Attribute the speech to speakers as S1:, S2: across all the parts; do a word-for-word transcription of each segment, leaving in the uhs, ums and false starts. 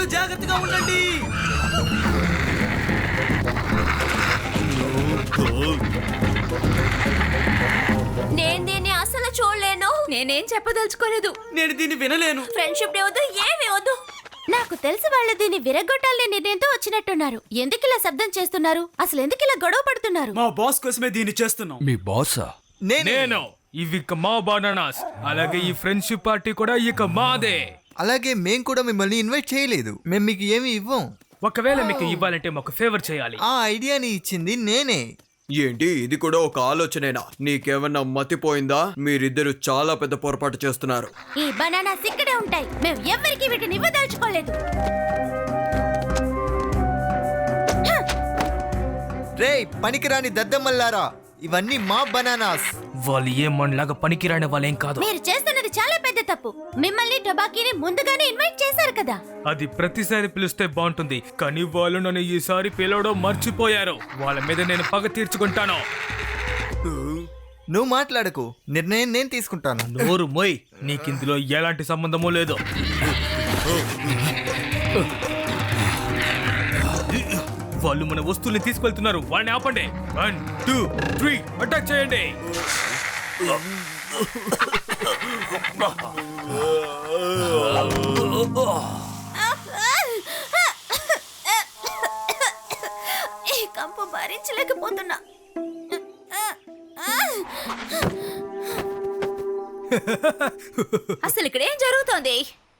S1: అందరూ జాగ్రత్తగా ఉండండి.
S2: నేను దీన్ని అసలు చూడలేను. నేనేం చెప్పదలుచుకోలేదు.
S1: నేను దీన్ని వినలేను.
S2: ఫ్రెండ్షిప్ డే వద్దు, ఏమీ వద్దు. నాకు తెలిసి వాళ్ళు దీన్ని విరగొట్టాలని నిర్ణయంతో వచ్చినట్టున్నారు. ఎందుకు ఇలా శబ్దం చేస్తున్నారు? అసలు ఎందుకు ఇలా గొడవ పడుతున్నారు?
S1: మా బాస్ కోసమే దీన్ని చేస్తున్నాం.
S3: మీ బాసా?
S4: నేను ఇవి ఇక మా బనానాస్. అలాగే ఈ ఫ్రెండ్షిప్ పార్టీ కూడా ఇక మాదే.
S5: అలాగే మేం కూడా మిమ్మల్ని ఇన్వైట్ చేయలేదు. మేము మీకు ఏమి ఇవ్వం.
S4: ఒకవేళ మీకు ఇవ్వాలంటే మాకు ఫేవర్ చేయాలి.
S5: ఆ ఐడియాని ఇచ్చింది నేనే.
S6: ఏంటి ఇది కూడా ఒక ఆలోచనేనా? నీకేమన్నా మతిపోయిందా? మీరిద్దరు చాలా పెద్ద పొరపాటు చేస్తున్నారు.
S2: ఈ బనానాస్ ఇక్కడే ఉంటాయి. మేము ఎవరికి వీటిని ఇవ్వదలుచుకోలేదు.
S5: రే పనికిరాని దద్దమ్మల్లారా, ఇవన్నీ మా బనానాస్.
S4: వాళ్ళు ఏ మనలాగా పనికిరాని వాళ్ళేం కాదు.
S2: మీరు చేస్తున్నది చాలా పెద్ద తప్పు. మిమ్మల్ని టొబాకీని ముందుగానే ఇన్వైట్ చేశారు కదా.
S4: అది ప్రతిసారి పిలిస్తే బాగుంటుంది, కానీ వాళ్ళు నన్ను ఈసారి పిలవడం మర్చిపోయారు. వాళ్ళ మీద నేను పగ తీర్చుకుంటాను.
S5: నువ్వు మాట్లాడకు, నిర్ణయం నేను తీసుకుంటాను.
S4: నోరు మొయ్, నీకిందులో ఎలాంటి సంబంధమూ లేదు. వాళ్ళు మన వస్తువుల్ని తీసుకెళ్తున్నారు. వాళ్ళని ఆపండి. వన్ టూ త్రీ అటాక్ చేయండి.
S2: ఈ కంపు భరించలేకపోతున్నా. అసలు ఇక్కడ ఏం జరుగుతోంది?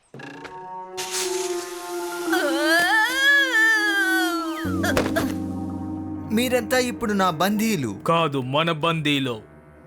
S5: మీరంతా ఇప్పుడు నా బందీలు.
S4: కాదు, మన బందీలో.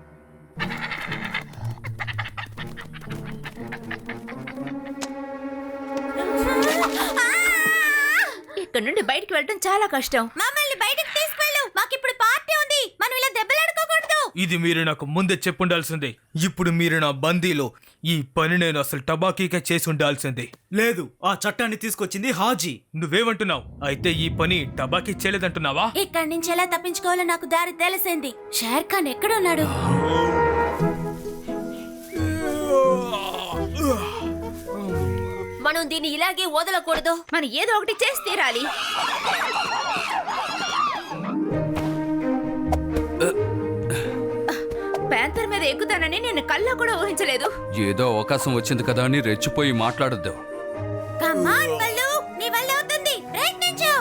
S2: ఇక్కడ నుండి బయటికి వెళ్ళడం చాలా కష్టం. మమ్మల్ని బయటికి తీసుకెళ్ళు. మాకిప్పుడు పార్టీ ఉంది. మనం ఇలా దెబ్బలాడుకోకూడదు.
S4: ఇది మీరు నాకు ముందే చెప్పుండాల్సింది. ఇప్పుడు మీరు నా బందీలో. ఈ పని నేను అసలు టబాకీకే చేసి ఉండాల్సింది.
S1: లేదు, ఆ చట్టాన్ని తీసుకొచ్చింది హాజీ.
S4: నువ్వేమంటున్నావు? అయితే ఈ పని టబాకీ చేయలేదంటున్నావా?
S2: ఇక్కడి నుంచి ఎలా తప్పించుకోవాలో నాకు దారి తెలిసింది. షేర్ ఖాన్ ఎక్కడున్నాడు? మనం దీన్ని ఇలాగే వదలకూడదు. మనం ఏదో ఒకటి చేసి తీరాలి. ప్యాంతర్ మీద ఎక్కుతానని నేను కళ్ళ కూడా ఊహించలేదు.
S3: ఏదో అవకాశం వచ్చింది కదా అని రెచ్చిపోయి మాట్లాడొద్దు.
S2: కమాన్ బల్లు, నీ వల్ల అవుతుంది. ప్రయత్నించు.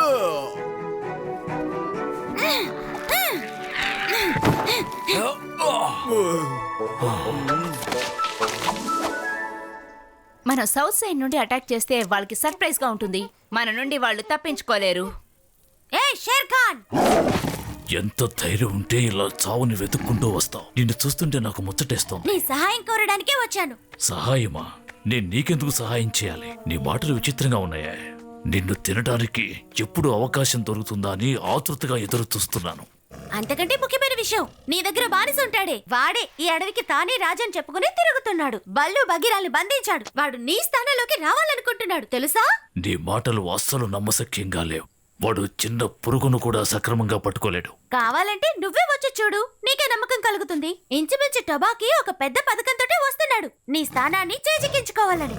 S2: మనం సౌత్ సైడ్ నుండి అటాక్ చేస్తే వాళ్ళకి సర్ప్రైజ్ గా ఉంటుంది. మన నుండి వాళ్ళు తప్పించుకోలేరు. ఏ షేర్ ఖాన్,
S7: ఎంత ధైర్యం ఉంటే ఇలా చావుని వెతుక్కుంటూ వస్తావు? నిన్ను చూస్తుంటే నాకు ముచ్చటేస్తోంది.
S2: నీ సహాయం కోరడానికే వచ్చాను.
S7: సహాయమా? నేను నీకెందుకు సహాయం చేయాలి? నీ మాటలు విచిత్రంగా ఉన్నాయా? నిన్ను తినడానికి ఎప్పుడు అవకాశం దొరుకుతుందా అని ఆతృతగా ఎదురు చూస్తున్నాను.
S2: అంతకంటే ముఖ్యమైన విషయం, నీ దగ్గర బానిస ఉంటాడే, వాడే ఈ అడవికి తానే రాజని చెప్పుకుని తిరుగుతున్నాడు. బల్లు బగీరాల్ని బంధించాడు. వాడు నీ స్థానంలోకి రావాలనుకుంటున్నాడు, తెలుసా?
S7: నీ మాటలు అస్సలు నమ్మశక్యంగా లేవు. వాడు చిన్న పురుగును కూడా సక్రమంగా పట్టుకోలేడు.
S2: కావాలంటే నువ్వే వచ్చి చూడు, నీకే నమ్మకం కలుగుతుంది. ఇంచుమించు టొబాకీ ఒక పెద్ద పథకంతో వస్తున్నాడు, నీ స్థానాన్ని చేజిక్కించుకోవాలని.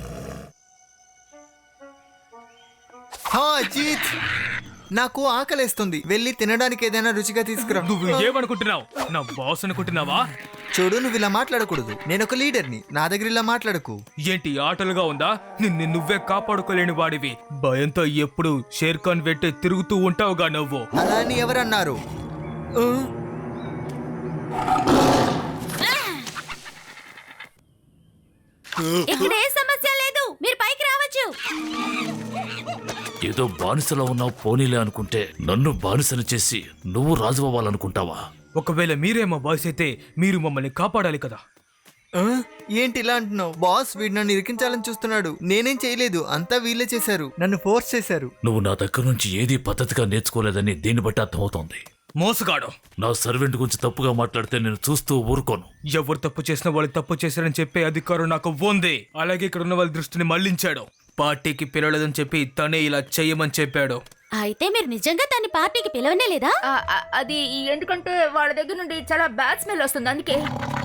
S5: హా అజిత్, నాకు ఆకలేస్తుంది. వెళ్ళి తినడానికి ఏదైనా రుచిగా తీసుకురా.
S4: నువ్వు ఏమనుకుంటున్నావు? నా బాస్ అనుకుంటున్నావా?
S5: చూడు, నువ్వు ఇలా మాట్లాడకూడదు. నేను ఒక లీడర్ని. నా దగ్గర ఇలా మాట్లాడకు.
S4: ఏంటి ఆటలుగా ఉందా? నిన్ను నువ్వే కాపాడుకోలేని వాడివి. భయంతో ఎప్పుడు షేర్ ఖాన్ వెంటే తిరుగుతూ ఉంటావుగా నువ్వు.
S5: అలా అని ఎవరన్నారు? ఆ?
S2: ఇక్కడ ఏ సమస్య లేదు, మీరు పైకి రావచ్చు.
S7: ఏదో బానిసలో ఉన్నావు పోనీలే అనుకుంటే నన్ను బానిసను చేసి నువ్వు రాజు అవ్వాలనుకుంటావా?
S4: ఒకవేళ మీరే మా బాస్ అయితే మీరు మమ్మల్ని కాపాడాలి కదా.
S5: ఆ? ఏంటి ఇలా అంటున్నావు? బాస్ వీడు నన్ను ఇరికించాలని చూస్తున్నాడు. నేనేం చేయలేదు, అంతా వీళ్ళే చేశారు. నన్ను ఫోర్స్ చేశారు.
S7: నువ్వు నా దగ్గర నుంచి ఏదీ పద్ధతిగా నేర్చుకోలేదని దీన్ని బట్టి అర్థమవుతోంది.
S4: మోసగాడు.
S7: నా సర్వెంట్ గురించి తప్పుగా మాట్లాడితే నేను చూస్తూ ఊరుకోను.
S4: ఎవరు తప్పు చేసిన వాళ్ళు తప్పు చేశారని చెప్పే అధికారం నాకు ఉంది. అలాగే ఇక్కడ ఉన్న వాళ్ళ దృష్టిని మళ్లించాడు. పార్టీకి పిలవలేదని చెప్పి తనే ఇలా చెయ్యమని చెప్పాడు.
S2: అయితే మీరు నిజంగా దాన్ని పార్టీకి పిలవనే లేదా? అది ఎందుకంటే వాళ్ళ దగ్గర నుండి చాలా బ్యాడ్ స్మెల్ వస్తుంది, అందుకే.